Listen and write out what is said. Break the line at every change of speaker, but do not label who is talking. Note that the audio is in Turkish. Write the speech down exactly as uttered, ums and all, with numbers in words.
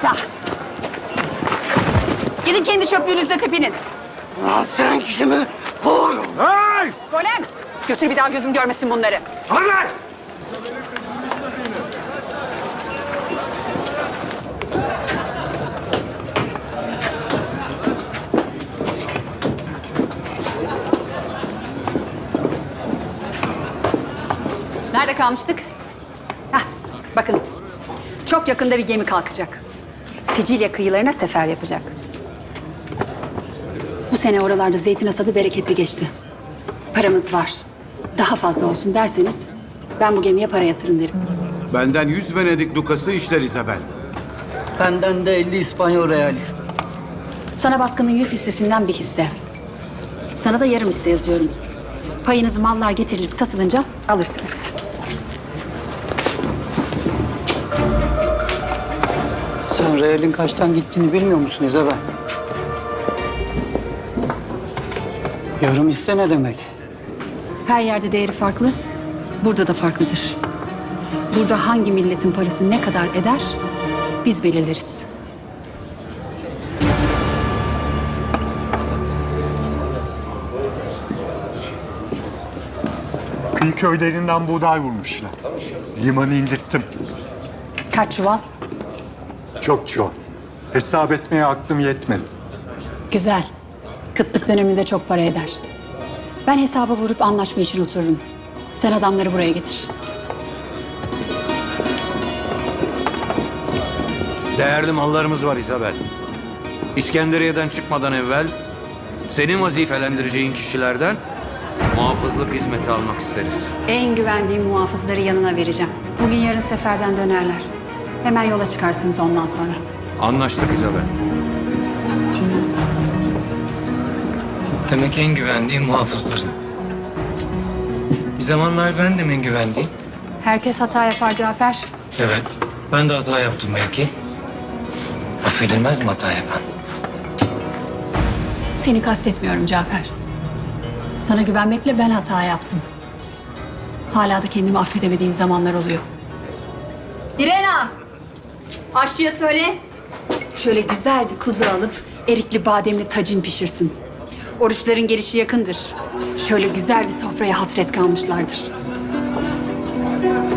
aptal. Gidin kendi çöplüğünüzle tepinin.
Lan sen kimi? Vur!
Hey!
Golem, götür bir daha gözüm görmesin bunları.
Hadi lan!
Nerede kalmıştık? Heh, bakın. Çok yakında bir gemi kalkacak. Sicilya kıyılarına sefer yapacak. Bu sene oralarda zeytin hasadı bereketli geçti. Paramız var. Daha fazla olsun derseniz ben bu gemiye para yatırın derim.
Benden yüz Venedik dukası işler Isabel.
Benden de elli İspanyol reali.
Sana baskının yüz hissesinden bir hisse. Sana da yarım hisse yazıyorum. Payınızı mallar getirilip satılınca alırsınız.
Sen realin kaçtan gittiğini bilmiyor musun İzabel? Yarım hisse ne demek?
Her yerde değeri farklı, burada da farklıdır. Burada hangi milletin parası ne kadar eder, biz belirleriz.
Kıyı köylerinden buğday vurmuşlar. Limanı indirttim.
Kaç çuval?
Çok çok. Hesap etmeye aklım yetmedi.
Güzel. Kıtlık döneminde çok para eder. Ben hesaba vurup anlaşma için otururum. Sen adamları buraya getir.
Değerli mallarımız var Isabel. İskenderiye'den çıkmadan evvel senin vazifelendireceğin kişilerden muhafızlık hizmeti almak isteriz.
En güvendiğim muhafızları yanına vereceğim. Bugün yarın seferden dönerler. Hemen yola çıkarsınız ondan sonra.
Anlaştık Isabel.
Demek en güvendiğim muhafızların. Bir zamanlar ben de en güvendiğim.
Herkes hata yapar Cafer.
Evet, ben de hata yaptım belki. Affedilmez mi hata yapan?
Seni kastetmiyorum Cafer. Sana güvenmekle ben hata yaptım. Hala da kendimi affedemediğim zamanlar oluyor. İrena! Aşçıya söyle. Şöyle güzel bir kuzu alıp erikli bademli tacin pişirsin. Oruçların gelişi yakındır. Şöyle güzel bir sofraya hasret kalmışlardır.